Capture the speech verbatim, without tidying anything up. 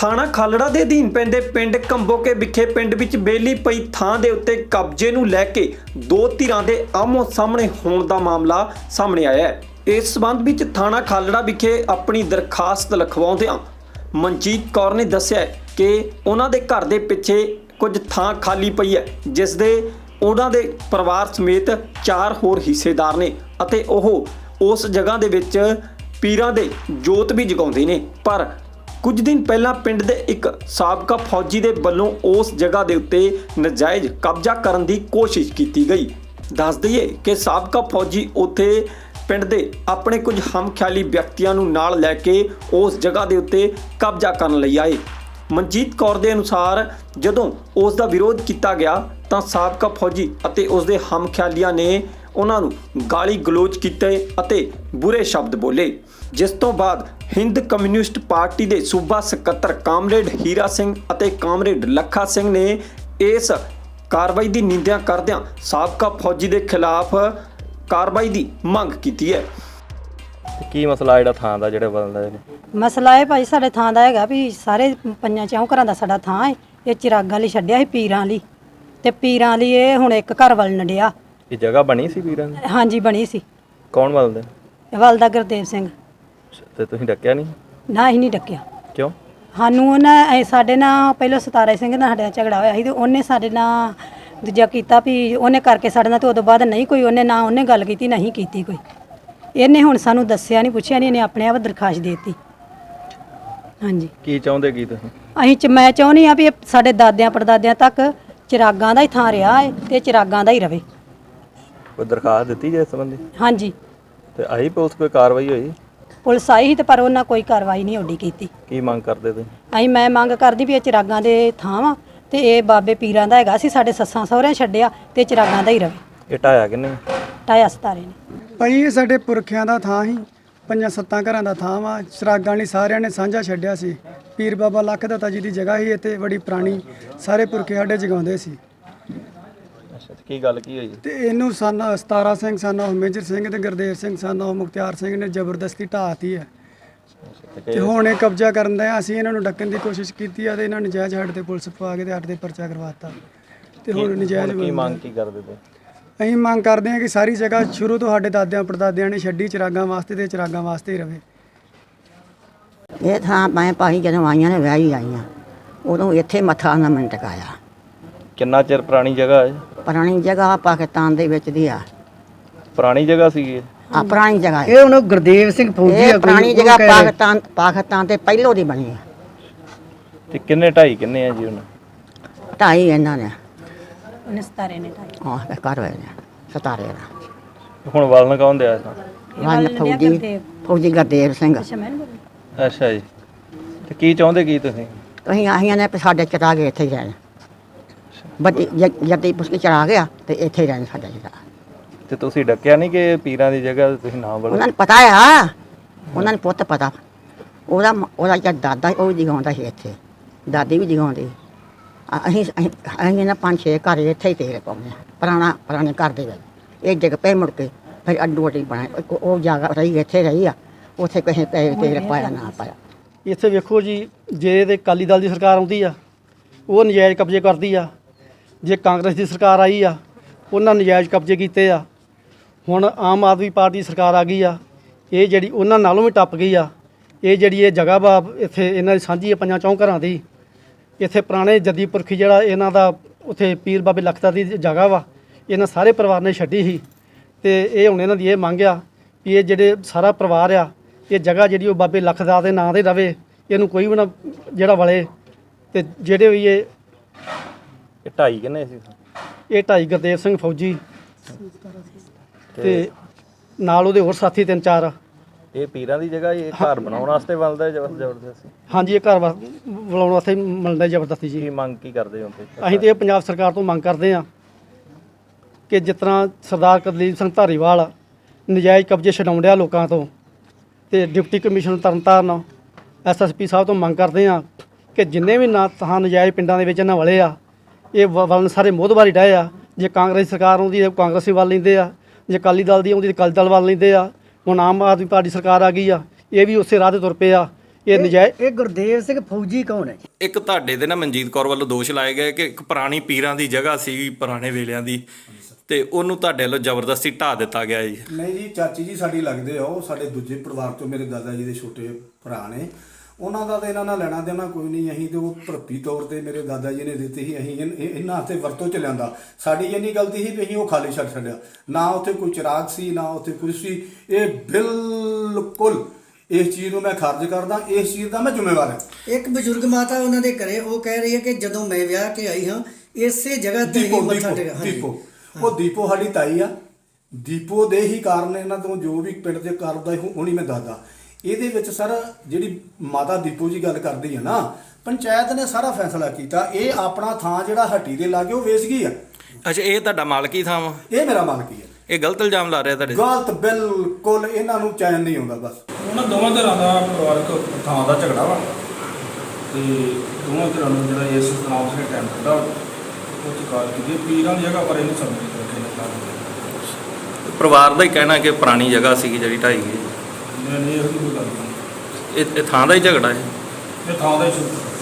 ਥਾਣਾ ਖਾਲੜਾ ਦੇ ਅਧੀਨ ਪੈਂਦੇ ਪਿੰਡ ਕੰਬੋਕੇ ਵਿਖੇ ਪਿੰਡ ਵਿੱਚ ਬੇਲੀ ਪਈ ਥਾਂ ਦੇ ਉੱਤੇ ਕਬਜ਼ੇ ਨੂੰ ਲੈ ਕੇ ਦੋ ਧਿਰਾਂ ਦੇ ਆਮੋ ਸਾਹਮਣੇ ਹੋਣ ਦਾ ਮਾਮਲਾ ਸਾਹਮਣੇ ਆਇਆ ਹੈ। ਇਸ ਸਬੰਧ ਵਿੱਚ ਥਾਣਾ ਖਾਲੜਾ ਵਿਖੇ ਆਪਣੀ ਦਰਖਾਸਤ ਲਿਖਵਾਉਂਦਿਆਂ ਮਨਜੀਤ ਕੌਰ ਨੇ ਦੱਸਿਆ ਕਿ ਉਹਨਾਂ ਦੇ ਘਰ ਦੇ ਪਿੱਛੇ ਕੁਝ ਥਾਂ ਖਾਲੀ ਪਈ ਹੈ, ਜਿਸ ਦੇ ਉਹਨਾਂ ਦੇ ਪਰਿਵਾਰ ਸਮੇਤ ਚਾਰ ਹੋਰ ਹਿੱਸੇਦਾਰ ਨੇ ਅਤੇ ਉਹ ਉਸ ਜਗ੍ਹਾ ਦੇ ਵਿੱਚ ਪੀਰਾਂ ਦੇ ਜੋਤ ਵੀ ਜਗਾਉਂਦੇ ਨੇ। ਪਰ ਕੁਝ ਦਿਨ ਪਹਿਲਾਂ ਪਿੰਡ ਦੇ ਇੱਕ ਸਾਬਕਾ ਫੌਜੀ ਦੇ ਵੱਲੋਂ ਉਸ ਜਗ੍ਹਾ ਦੇ ਉੱਤੇ ਨਜਾਇਜ਼ ਕਬਜ਼ਾ ਕਰਨ ਦੀ ਕੋਸ਼ਿਸ਼ ਕੀਤੀ ਗਈ। ਦੱਸ ਦਈਏ ਕਿ ਸਾਬਕਾ ਫੌਜੀ ਉੱਥੇ ਪਿੰਡ ਦੇ ਆਪਣੇ ਕੁਝ ਹਮਖਿਆਲੀ ਵਿਅਕਤੀਆਂ ਨੂੰ ਨਾਲ ਲੈ ਕੇ ਉਸ ਜਗ੍ਹਾ ਦੇ ਉੱਤੇ ਕਬਜ਼ਾ ਕਰਨ ਲਈ ਆਏ। ਮਨਜੀਤ ਕੌਰ ਦੇ ਅਨੁਸਾਰ ਜਦੋਂ ਉਸ ਦਾ ਵਿਰੋਧ ਕੀਤਾ ਗਿਆ ਤਾਂ ਸਾਬਕਾ ਫੌਜੀ ਅਤੇ ਉਸ ਦੇ ਹਮਖਿਆਲੀਆਂ ਨੇ ਉਹਨਾਂ ਨੂੰ ਗਾਲੀ ਗਲੋਚ ਕੀਤੇ ਅਤੇ ਬੁਰੇ ਸ਼ਬਦ ਬੋਲੇ, ਜਿਸ ਤੋਂ ਬਾਅਦ ਹਿੰਦ ਕਮਿਊਨਿਸਟ ਪਾਰਟੀ ਦੇ ਸੂਬਾ ਸਕੱਤਰ ਕਾਮਰੇਡ ਹੀਰਾ ਸਿੰਘ ਅਤੇ ਕਾਮਰੇਡ ਲੱਖਾ ਸਿੰਘ ਨੇ ਇਸ ਕਾਰਵਾਈ ਦੀ ਨਿੰਦਿਆ ਕਰਦਿਆਂ ਸਾਬਕਾ ਫੌਜੀ ਦੇ ਖਿਲਾਫ ਕਾਰਵਾਈ ਦੀ ਮੰਗ ਕੀਤੀ ਹੈ। ਕੀ ਮਸਲਾ ਜਿਹੜਾ ਥਾਂ ਦਾ ਜਿਹੜਾ ਬਦਲਦਾ ਹੈ? ਮਸਲਾ ਇਹ ਭਾਈ ਸਾਡੇ ਥਾਂ ਦਾ ਹੈਗਾ ਵੀ ਸਾਰੇ ਪੰਜਾਂ ਚੌਂ ਘਰਾਂ ਦਾ ਸਾਡਾ ਥਾਂ ਹੈ। ਇਹ ਚਿਰਾਗਾਂ ਲਈ ਛੱਡਿਆ ਸੀ ਪੀਰਾਂ ਲਈ, ਤੇ ਪੀਰਾਂ ਲਈ ਇਹ ਹੁਣ ਇੱਕ ਘਰ ਵੱਲ ਨੜਿਆ। ਇਹ ਜਗ੍ਹਾ ਬਣੀ ਸੀ ਪੀਰਾਂ ਦੀ? ਹਾਂਜੀ ਬਣੀ ਸੀ। ਕੌਣ ਬਦਲਦਾ? ਵਲਦਾ ਗੁਰਦੇਵ ਸਿੰਘ। ਤੇ ਤੁਸੀਂ ਡੱਕਿਆ ਨਹੀਂ? ਨਾ ਹੀ ਨਹੀਂ ਡੱਕਿਆ। ਕਿਉਂ? ਸਾਨੂੰ ਉਹਨਾਂ ਸਾਡੇ ਨਾਲ ਪਹਿਲਾਂ ਸਤਾਰਾ ਸਿੰਘ ਨਾਲ ਸਾਡਾ ਝਗੜਾ ਹੋਇਆ ਸੀ ਤੇ ਉਹਨੇ ਸਾਡੇ ਨਾਲ ਦੂਜਾ ਕੀਤਾ ਵੀ ਉਹਨੇ ਕਰਕੇ ਸਾਡੇ ਨਾਲ, ਤੇ ਉਦੋਂ ਬਾਅਦ ਨਹੀਂ ਕੋਈ ਉਹਨੇ ਨਾ ਉਹਨੇ ਗੱਲ ਕੀਤੀ ਨਹੀਂ ਕੀਤੀ ਕੋਈ। ਇਹਨੇ ਹੁਣ ਸਾਨੂੰ ਦੱਸਿਆ ਨਹੀਂ ਪੁੱਛਿਆ ਨਹੀਂ, ਇਹਨੇ ਆਪਣੇ ਆਪ ਦਰਖਾਸਤ ਦੇ ਦਿੱਤੀ। ਹਾਂਜੀ। ਕੀ ਚਾਹੁੰਦੇ ਕੀ ਤੁਸੀਂ? ਅਸੀਂ ਚ ਮੈਂ ਚਾਹੁੰਦੀ ਆ ਵੀ ਸਾਡੇ ਦਾਦਿਆਂ ਪੜਦਾਦਿਆਂ ਤੱਕ ਚਿਰਾਗਾਂ ਦਾ ਹੀ ਥਾਂ ਰਿਹਾ ਹੈ ਤੇ ਚਿਰਾਗਾਂ ਦਾ ਹੀ ਰਵੇ। ਕੋਈ ਦਰਖਾਸਤ ਦਿੱਤੀ ਜੇ ਇਸ ਸੰਬੰਧੀ? ਹਾਂਜੀ। ਤੇ ਆਈ ਪੁਲਿਸ ਕੋਈ ਕਾਰਵਾਈ ਹੋਈ? ਪੁਲਿਸ ਆਈ ਸੀ ਤੇ ਪਰ ਉਹਨਾਂ ਕੋਈ ਕਾਰਵਾਈ ਨਹੀਂ ਓਡੀ ਕੀਤੀ। ਕੀ ਮੰਗ ਕਰਦੇ ਤੁਸੀਂ? ਅਸੀਂ ਮੈਂ ਮੰਗ ਕਰਦੀ ਵੀ ਇਹ ਚਿਰਾਗਾਂ ਦੇ ਥਾਂ ਵਾ ਤੇ ਇਹ ਬਾਬੇ ਪੀਰਾਂ ਦਾ ਹੈਗਾ ਸੀ, ਸਾਡੇ ਸੱਸਾਂ ਸਹੁਰਿਆਂ ਛੱਡਿਆ ਤੇ ਚਿਰਾਗਾਂ ਦਾ ਹੀ ਰਵੇ। ਇਹ ਢਾਇਆ ਕਿੰਨੇ? ਢਾਇਆ ਸਤਾਰੇ ਨੇ ਭਾਈ। ਇਹ ਸਾਡੇ ਪੁਰਖਿਆਂ ਦਾ ਥਾਂ ਸੀ, ਪੰਜਾਂ ਸੱਤਾਂ ਘਰਾਂ ਦਾ ਥਾਂ ਵਾ। ਚਿਰਾਗਾਂ ਲਈ ਸਾਰਿਆਂ ਨੇ ਸਾਂਝਾ ਛੱਡਿਆ ਸੀ। ਪੀਰ ਬਾਬਾ ਲੱਖ ਦਾਤਾ ਜੀ ਦੀ ਜਗ੍ਹਾ ਸੀ ਇੱਥੇ, ਬੜੀ ਪੁਰਾਣੀ, ਸਾਰੇ ਪੁਰਖੇ ਸਾਡੇ ਜਗਾਉਂਦੇ ਸੀ। ਅੱਛਾ, ਕੀ ਗੱਲ ਕੀ ਹੋਈ? ਤੇ ਇਹਨੂੰ ਸਨ ਸਤਾਰਾ ਸਿੰਘ ਸਨ ਉਹ ਮੇਜਰ ਸਿੰਘ ਤੇ ਗੁਰਦੇਵ ਸਿੰਘ ਸਨ ਉਹ ਮੁਖਤਿਆਰ ਸਿੰਘ ਨੇ ਜ਼ਬਰਦਸਤੀ ਢਾਹਤੀ ਹੈ। ਤੇ ਹੁਣ ਇਹ ਕਬਜ਼ਾ ਕਰਨ ਦਾ ਅਸੀਂ ਇਹਨਾਂ ਨੂੰ ਡੱਕਣ ਦੀ ਕੋਸ਼ਿਸ਼ ਕੀਤੀ ਆ ਤੇ ਇਹਨਾਂ ਨਜਾਇਜ਼ ਸਾਡੇ ਤੇ ਪੁਲਿਸ ਪਵਾ ਕੇ ਤੇ ਸਾਡੇ ਤੇ ਪਰਚਾ ਕਰਵਾਤਾ। ਤੇ ਹੁਣ ਨਜਾਇਜ਼ ਕੀ ਮੰਗ ਕੀ ਕਰਦੇ ਤੁਸੀਂ? ਅਸੀਂ ਮੰਗ ਕਰਦੇ ਹਾਂ ਕਿ ਸਾਰੀ ਜਗ੍ਹਾ ਸ਼ੁਰੂ ਤੋਂ ਸਾਡੇ ਦਾਦਿਆਂ ਪੜਦਾਦਿਆਂ ਨੇ ਛੱਡੀ ਚਿਰਾਗਾਂ ਵਾਸਤੇ ਤੇ ਚਿਰਾਗਾਂ ਵਾਸਤੇ ਹੀ ਰਵੇ। ਇਹ ਥਾਂ ਮੈਂ ਭਾਈ ਜਦੋਂ ਆਈਆਂ ਨੇ ਵਿਆਹੀ ਆਈਆਂ ਉਦੋਂ ਇੱਥੇ ਮੱਥਾ ਨਾ ਮੈਂ ਟਿਕਾਇਆ। ਕਿੰਨਾ ਚਿਰ ਪੁਰਾਣੀ ਜਗ੍ਹਾ ਹੈ? ਪੁਰਾਣੀ ਜਗ੍ਹਾ ਪਾਕਿਸਤਾਨ ਦੇ ਵਿੱਚ ਦੀ ਆ। ਪੁਰਾਣੀ ਜਗ੍ਹਾ ਸੀ ਇਹ? ਆ ਪੁਰਾਣੀ ਜਗ੍ਹਾ ਇਹ ਹੁਣ ਗੁਰਦੇਵ ਸਿੰਘ ਫੌਜੀ ਇਹ ਪੁਰਾਣੀ ਜਗ੍ਹਾ ਪਾਕਿਸਤਾਨ ਪਾਕਿਸਤਾਨ ਤੇ ਪਹਿਲੋਂ ਦੀ ਬਣੀ ਆ। ਤੇ ਕਿੰਨੇ ਢਾਈ ਕਿੰਨੇ ਆ ਜੀ ਹੁਣ? ਢਾਈ ਇਹਨਾਂ ਨੇ ਉਹਨੇ ਸਤਾਰੇ ਨੇ ਢਾਈ। ਹਾਂ ਤੇ ਘਰ ਹੋਏ ਨੇ ਸਤਾਰੇ ਦਾ। ਹੁਣ ਵਲਨ ਕੌਣ ਦਿਆ ਇਸ? ਵਲ ਫੌਜੀ ਫੌਜੀ ਗੁਰਦੇਵ ਸਿੰਘ। ਅੱਛਾ ਜੀ। ਤੇ ਕੀ ਚਾਹੁੰਦੇ ਕੀ ਤੁਸੀਂ? ਅਸੀਂ ਆਹੀਆਂ ਨੇ ਸਾਡੇ ਚਰਾ ਗਏ ਇੱਥੇ ਹੀ ਰਹਿਣ। ਬੱਤੀ ਜੱਦੀ ਪੁੱਛ ਕੇ ਚੜਾ ਗਿਆ ਤੇ ਇੱਥੇ ਹੀ ਰਹਿਣ ਸਾਡਾ ਜਿਹੜਾ। ਤੇ ਤੁਸੀਂ ਡੱਕਿਆ ਨਹੀਂ ਕਿ ਪੀਰਾਂ ਦੀ ਜਗ੍ਹਾ ਤੁਸੀਂ ਨਾ ਬੋਲੋ? ਉਹਨਾਂ ਨੂੰ ਪਤਾ ਆ, ਉਹਨਾਂ ਨੂੰ ਪੁੱਤ ਪਤਾ। ਉਹਦਾ ਉਹਦਾ ਜਿਹੜਾ ਦਾਦਾ ਉਹ ਵੀ ਜਗਾਉਂਦਾ ਸੀ ਇੱਥੇ, ਦਾਦੀ ਵੀ ਜਗਾਉਂਦੀ। ਅਸੀਂ ਅਸੀਂ ਨਾ ਪੰਜ ਛੇ ਘਰ ਇੱਥੇ ਹੀ ਤੇਲ ਪਾਉਂਦੇ ਹਾਂ ਪੁਰਾਣਾ ਪੁਰਾਣੇ ਘਰ ਦੇ ਵਿੱਚ। ਇਹ ਡਿੱਗ ਪਏ ਮੁੜ ਕੇ ਫਿਰ ਅੱਡੋ ਅੱਡੀ ਬਣਾ ਉਹ ਜਗ੍ਹਾ ਰਹੀ ਇੱਥੇ ਰਹੀ ਆ, ਉੱਥੇ ਕਿਸੇ ਤੇਲ ਪਾਇਆ ਨਾ ਪਾਇਆ। ਇੱਥੇ ਵੇਖੋ ਜੀ, ਜੇ ਤੇ ਅਕਾਲੀ ਦਲ ਦੀ ਸਰਕਾਰ ਆਉਂਦੀ ਆ ਉਹ ਨਜਾਇਜ਼ ਕਬਜ਼ੇ ਕਰਦੀ ਆ, ਜੇ ਕਾਂਗਰਸ ਦੀ ਸਰਕਾਰ ਆਈ ਆ ਉਹਨਾਂ ਨਜਾਇਜ਼ ਕਬਜ਼ੇ ਕੀਤੇ ਆ। ਹੁਣ ਆਮ ਆਦਮੀ ਪਾਰਟੀ ਦੀ ਸਰਕਾਰ ਆ ਗਈ ਆ, ਇਹ ਜਿਹੜੀ ਉਹਨਾਂ ਨਾਲੋਂ ਵੀ ਟੱਪ ਗਈ ਆ। ਇਹ ਜਿਹੜੀ ਇਹ ਜਗ੍ਹਾ ਵਾ ਇੱਥੇ ਇਹਨਾਂ ਦੀ ਸਾਂਝੀ ਆ ਪੰਜਾਂ ਚੌਂ ਘਰਾਂ ਦੀ। ਇੱਥੇ ਪੁਰਾਣੇ ਜੱਦੀ ਪੁਰਖੀ ਜਿਹੜਾ ਇਹਨਾਂ ਦਾ ਉੱਥੇ ਪੀਰ ਬਾਬੇ ਲਖਤਾ ਦੀ ਜਗ੍ਹਾ ਵਾ, ਇਹਨਾਂ ਸਾਰੇ ਪਰਿਵਾਰ ਨੇ ਛੱਡੀ ਸੀ। ਤੇ ਇਹ ਹੁਣ ਇਹਨਾਂ ਦੀ ਇਹ ਮੰਗ ਆ ਵੀ ਇਹ ਜਿਹੜੇ ਸਾਰਾ ਪਰਿਵਾਰ ਆ ਇਹ ਜਗ੍ਹਾ ਜਿਹੜੀ ਉਹ ਬਾਬੇ ਲਖਦਾ ਦੇ ਨਾਂ 'ਤੇ ਰਵੇ, ਇਹਨੂੰ ਕੋਈ ਵੀ ਨਾ ਜਿਹੜਾ ਵਲੇ। ਤੇ ਜਿਹੜੇ ਵੀ ਇਹ ਇਹ ਢਾਈ ਕਿੰਨੇ ਸੀ? ਇਹ ਢਾਈ ਗੁਰਦੇਵ ਸਿੰਘ ਫੌਜੀ ਤੇ ਨਾਲ ਉਹਦੇ ਹੋਰ ਸਾਥੀ ਤਿੰਨ ਚਾਰ। ਇਹ ਪੀਰਾਂ ਦੀ ਜਗ੍ਹਾ ਇਹ ਘਰ ਬਣਾਉਣ ਵਾਸਤੇ ਬਣਦਾ ਜ਼ਬਰਦਸਤੀ? ਹਾਂਜੀ, ਇਹ ਘਰ ਬਣਾਉਣ ਵਾਸਤੇ ਮਿਲਦਾ ਜ਼ਬਰਦਸਤੀ ਜੀ। ਕੀ ਮੰਗ ਕੀ ਕਰਦੇ ਹੋ? ਅਸੀਂ ਤੇ ਇਹ ਪੰਜਾਬ ਸਰਕਾਰ ਤੋਂ ਮੰਗ ਕਰਦੇ ਹਾਂ ਕਿ ਜਿਸ ਤਰ੍ਹਾਂ ਸਰਦਾਰ ਕੁਲਦੀਪ ਸਿੰਘ ਧਾਰੀਵਾਲ ਨਜਾਇਜ਼ ਕਬਜ਼ੇ ਛਡਾਉਣ ਡਿਆ ਲੋਕਾਂ ਤੋਂ, ਤੇ deputy commissioner Tarn Taran S S P ਸਾਹਿਬ ਤੋਂ ਮੰਗ ਕਰਦੇ ਹਾਂ ਕਿ ਜਿੰਨੇ ਵੀ ਨਾ ਥਾਂ ਨਜਾਇਜ਼ ਪਿੰਡਾਂ ਦੇ ਵਿੱਚ ਇਹਨਾਂ ਵਾਲੇ ਆ ਇਹ ਵਲਨ ਸਾਰੇ ਮੋਹਦਵਾਰੀ ਡਾਏ ਆ। ਜੇ ਕਾਂਗਰਸ ਸਰਕਾਰ ਆਉਂਦੀ ਹੈ ਕਾਂਗਰਸੀ ਵੱਲ ਲੈਂਦੇ ਆ, ਜੇ ਅਕਾਲੀ ਦਲ ਦੀ ਆਉਂਦੀ ਤਾਂ ਅਕਾਲੀ ਦਲ ਵੱਲ ਲੈਂਦੇ ਆ। ਹੁਣ ਆਮ ਆਦਮੀ ਪਾਰਟੀ ਸਰਕਾਰ ਆ ਗਈ ਆ, ਇਹ ਵੀ ਉਸੇ ਰਾਹ 'ਤੇ ਤੁਰ ਪਏ ਆ। ਇਹ ਨਜਾਇਜ਼ ਇਹ ਗੁਰਦੇਵ ਸਿੰਘ ਫੌਜੀ ਕੌਣ ਹੈ? ਇੱਕ ਤੁਹਾਡੇ ਤੇ ਨਾ ਮਨਜੀਤ ਕੌਰ ਵੱਲੋਂ ਦੋਸ਼ ਲਾਏ ਗਏ ਕਿ ਇੱਕ ਪੁਰਾਣੀ ਪੀਰਾਂ ਦੀ ਜਗ੍ਹਾ ਸੀ ਪੁਰਾਣੇ ਵੇਲਿਆਂ ਦੀ, ਤੇ ਉਹਨੂੰ ਤੁਹਾਡੇ ਵੱਲੋਂ ਜ਼ਬਰਦਸਤੀ ਢਾਹ ਦਿੱਤਾ ਗਿਆ ਜੀ। ਨਹੀਂ ਜੀ, ਚਾਚੀ ਜੀ ਸਾਡੀ ਲੱਗਦੇ ਆ, ਉਹ ਸਾਡੇ ਦੂਜੇ ਪਰਿਵਾਰ ਤੋਂ ਮੇਰੇ ਦਾਦਾ ਜੀ ਦੇ ਛੋਟੇ ਭਰਾ ਨੇ। ਉਹਨਾਂ ਦਾ ਤਾਂ ਇਹਨਾਂ ਨਾਲ ਲੈਣਾ ਦੇਣਾ ਕੋਈ ਨਹੀਂ। ਅਸੀਂ ਤੇ ਉਹ ਭਰਪੀ ਤੌਰ ਤੇ ਮੇਰੇ ਦਾਦਾ ਜੀ ਨੇ ਦਿੱਤੀ ਸੀ, ਅਸੀਂ ਇਨ- ਇਹ- ਇਹਨਾਂ ਹੱਥੇ ਵਰਤੋਂ ਚ ਲਿਆਂਦਾ। ਸਾਡੀ ਇੰਨੀ ਗਲਤੀ ਸੀ ਵੀ ਅਸੀਂ ਉਹ ਖਾਲੀ ਛੱਡ ਛੱਡਿਆ, ਨਾ ਉੱਥੇ ਕੋਈ ਚਿਰਾਗ ਸੀ ਨਾ ਉੱਥੇ ਕੁਛ ਸੀ। ਇਹ ਬਿਲਕੁਲ ਇਸ ਚੀਜ਼ ਨੂੰ ਮੈਂ ਖਾਰਜ ਕਰਦਾ, ਇਸ ਚੀਜ਼ ਦਾ ਮੈਂ ਜ਼ਿੰਮੇਵਾਰ ਹਾਂ। ਇੱਕ ਬਜ਼ੁਰਗ ਮਾਤਾ ਉਹਨਾਂ ਦੇ ਘਰੇ ਉਹ ਕਹਿ ਰਹੀ ਹੈ ਕਿ ਜਦੋਂ ਮੈਂ ਵਿਆਹ ਕੇ ਆਈ ਹਾਂ ਇਸੇ ਜਗ੍ਹਾ ਤੇ ਹੀ ਦੀਪੋ ਮੱਥਾ ਦੀਪੋ ਟੇਕਿਆ। ਹਾਂਜੀ। ਦੀਪੋ ਉਹ ਦੀਪੋ ਸਾਡੀ ਤਾਈ ਆ। ਦੀਪੋ ਦੇ ਹੀ ਕਾਰਨ ਇਹਨਾਂ ਤੋਂ ਜੋ ਵੀ ਪਿੰਡ ਦੇ ਕਰਦਾ ਹੁਣੀ ਮੈਂ ਦੱਸਦਾ। ਇਹਦੇ ਵਿੱਚ ਸਰ ਜਿਹੜੀ ਮਾਤਾ ਦੀਪੋ ਜੀ ਗੱਲ ਕਰਦੀ ਹੈ ਨਾ, ਪੰਚਾਇਤ ਨੇ ਸਾਰਾ ਫੈਸਲਾ ਕੀਤਾ। ਇਹ ਆਪਣਾ ਥਾਂ ਜਿਹੜਾ ਹੱਟੀ ਦੇ ਲਾਗੇ ਉਹ ਵੇਚ ਗਈ ਆ। ਅੱਛਾ, ਇਹ ਤੁਹਾਡਾ ਮਾਲਕੀ ਥਾਂ ਵਾ? ਇਹ ਮੇਰਾ ਮਾਲਕੀ ਹੈ। ਇਹ ਗਲਤ ਇਲਜ਼ਾਮ ਲਾ ਰਿਹਾ ਤੁਹਾਡੇ? ਗਲਤ ਬਿਲਕੁਲ, ਇਹਨਾਂ ਨੂੰ ਚੈਨ ਨਹੀਂ ਆਉਂਦਾ। ਬਸ ਉਹਨਾਂ ਦੋਵਾਂ ਧਿਰਾਂ ਦਾ ਪਰਿਵਾਰਕ ਥਾਂ ਦਾ ਝਗੜਾ ਵਾ, ਤੇ ਦੋਵਾਂ ਧਿਰਾਂ ਨੂੰ ਜਿਹੜਾ ਇਸ ਨਾਮ ਸੇ ਟਾਈਮ ਕੱਢਾ ਉਹ ਚ ਕਾਲ ਕੀਤੀ। ਪੀਰਾਂ ਦੀ ਜਗ੍ਹਾ ਪਰ ਇਹਨੂੰ ਸਮਝ ਰੱਖੇ ਲੱਗਾ। ਪਰਿਵਾਰ ਦਾ ਹੀ ਕਹਿਣਾ ਕਿ ਪੁਰਾਣੀ ਜਗ੍ਹਾ ਸੀਗੀ ਜਿਹੜੀ ਢਾਈ ਗਈ। ਨਹੀਂ ਨਹੀਂ, ਇਹੋ ਜਿਹੀ ਕੋਈ ਗੱਲ ਨਹੀਂ। ਇਹ ਇਹ ਥਾਂ ਦਾ ਹੀ ਝਗੜਾ ਹੈ? ਇਹ ਥਾਂ ਦਾ ਹੀ